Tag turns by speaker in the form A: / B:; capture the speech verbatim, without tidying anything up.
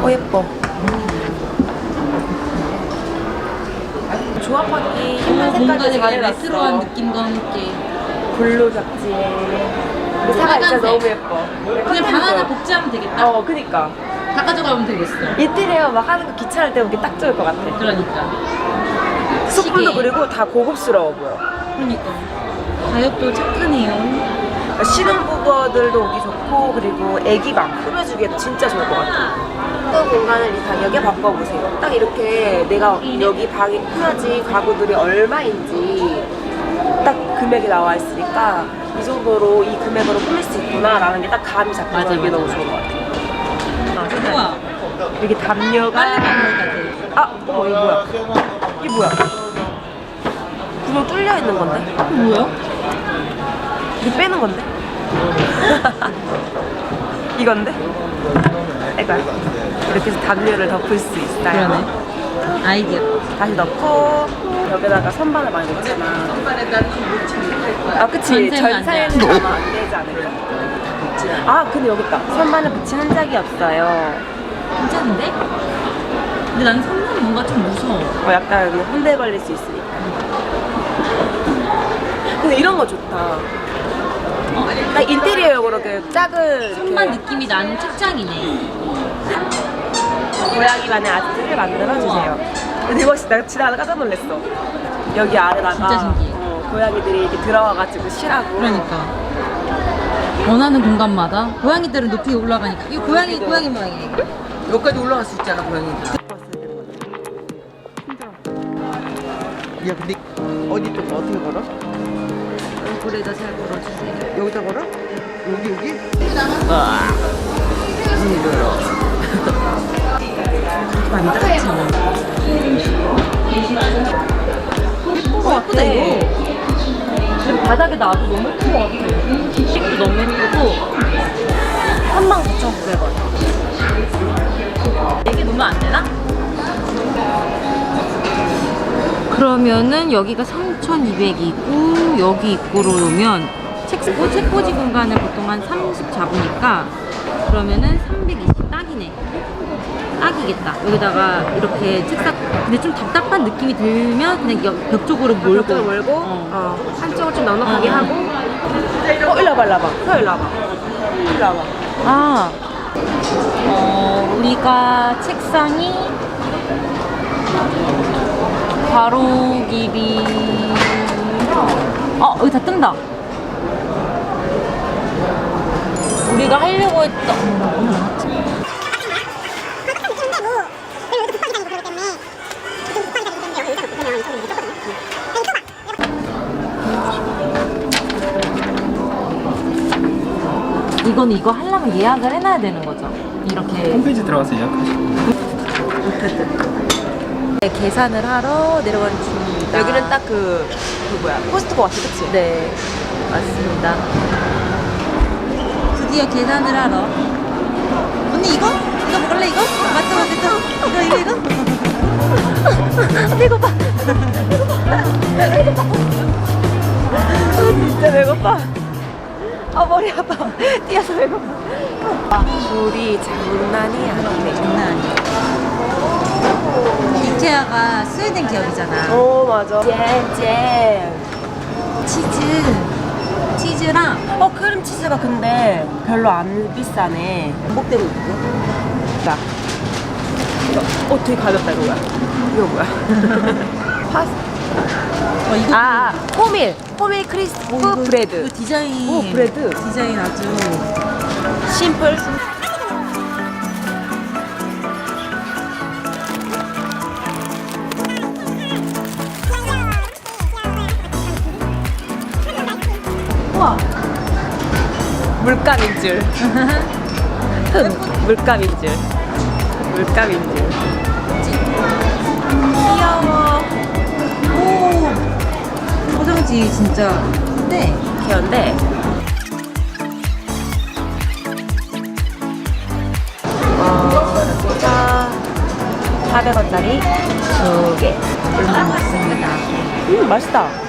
A: 어 예뻐. 조합하기 힘든 색깔이 잘 해놨어.
B: 레트로한 느낌과 함께
A: 블루 벽지에 사과 진짜 너무 예뻐.
B: 그냥 방 하나 복제하면 되겠다.
A: 어 그니까
B: 다 가져가면 되겠어.
A: 인테리어 막 하는 거 귀찮을 때 오기 딱 좋을 것 같아.
B: 그러니까
A: 소품도 그리고 다 고급스러워 보여.
B: 그러니까 가격도 착하네요.
A: 신혼부부들도 오기 좋고 그리고 애기방 꾸며주기에도 진짜 좋을 것 같아. 또 공간을 이 가격에 바꿔보세요. 딱 이렇게 내가 여기 방이 꾸며진 가구들이 얼마인지 딱 금액이 나와 있으니까 이 정도로 이 금액으로 꾸밀 수 있구나 라는 게 딱 감이 잡혀서
B: 맞아,
A: 이게
B: 맞아.
A: 너무 좋은 것 같아.
B: 우와
A: 이렇게 담요가
B: 빨래방울 같아.
A: 아! 어 이거 뭐야? 이게 뭐야? 구멍 뚫려 있는 건데?
B: 뭐야?
A: 이거 빼는 건데? 이건데? 이거야. 이렇게 해서 담요를 덮을 수 있어요.
B: 그러네. 아이디어.
A: 다시 넣고 여기다가 선반을 많이 넣잖아. 아 그치.
B: 전세는 안
A: 전사에는
B: 돼.
A: 아마 안 되지 않을까? 아 근데 여기 있다. 선반을 붙인 흔적이 없어요.
B: 괜찮은데? 근데 난 선물이 뭔가 좀 무서워.
A: 어, 약간 여기 혼대 걸릴 수 있으니까. 근데 이런 거 좋다.
B: 어,
A: 딱 인테리어용으로 그 작은
B: 선반
A: 이렇게
B: 느낌이 나는 책장이네.
A: 고양이만의 아트를 만들어주세요. 근데 이거 진짜 지나가다 깜짝 놀랐어. 여기 아래다가
B: 진짜 신기해.
A: 어, 고양이들이 이렇게 들어와가지고 쉬라고.
B: 그러니까 원하는 공간마다 고양이들은 높이 올라가니까 이 고양이 고양이 모양이네.
C: 여기까지 올라갈 수 있잖아, 고양이. 야, 근데 어디 좀 어떻게 걸어?
B: 얼굴에다 잘 걸어주세요.
C: 여기다 걸어? 여기 여기? 아, 힘들어.
B: 만들었지 뭐. 예쁜 거 같다 이거.
A: 그리고 바닥에 놔도 너무 예쁜 것 같아. 뒷식도 너무 예쁘고 삼만 구천구백 원.
B: 이게 놓으면 안 되나? 그러면은 여기가 삼천이백이고 여기 입구로 오면 책꽂이, 책꽂이 공간을 보통 한 삼십 잡으니까 그러면은 삼백이십 딱이네. 딱이겠다. 여기다가 이렇게 책상 근데 좀 답답한 느낌이 들면 그냥 여- 벽 쪽으로 몰고
A: 벽쪽을 몰고
B: 어.
A: 어, 한쪽을 좀 넉넉하게
B: 어, 어.
A: 하고 어 일로 와봐 일로 와봐 서 일로 와봐 일로 와봐.
B: 아, 어, 우리가 책상이 가로 길이 어 여기 다 뜬다. 우리가 하려고 했던 이거는 이거 하려면 예약을 해놔야 되는 거죠. 이렇게
D: 홈페이지 들어가서 예약하시고.
A: 네, 계산을 하러 내려가는 중입니다. 여기는 딱 그 그 뭐야 코스트코 같아 그치?
B: 네 맞습니다. 드디어 계산을 하러. 언니 이거? 이거 먹을래 이거? 맞다 맞다. 이거 이거 이거.
A: 배고파 배고파 진짜 배고파. 아 머리 아파. 뛰어서 배고파. 아, 줄이 장난이 아니네.
B: 장난 아니야. 이케아가 스웨덴 기업이잖아.
A: 오 맞아. 잼잼.
B: 치즈 치즈랑
A: 어 크림치즈가 근데 별로 안 비싸네.
C: 목대고 있고.
A: 자 이거 어 되게 가볍다 이거 뭐야? 이거 뭐야? 파스
B: 어 이거
A: 아 호밀 호밀 크리스프
B: 어, 이거-
A: 브레드.
B: 이거 디자인
A: 오 브레드
B: 디자인 아주
A: 심플.
B: 우와.
A: 물감인 줄. 흠, 물감인 줄. 물감인 줄. 귀여워.
B: 오 포장지 진짜 근데
A: 귀여운데. 어, 진짜 사백 원짜리 두 개.
B: 맞습니다.
A: 음, 맛있다.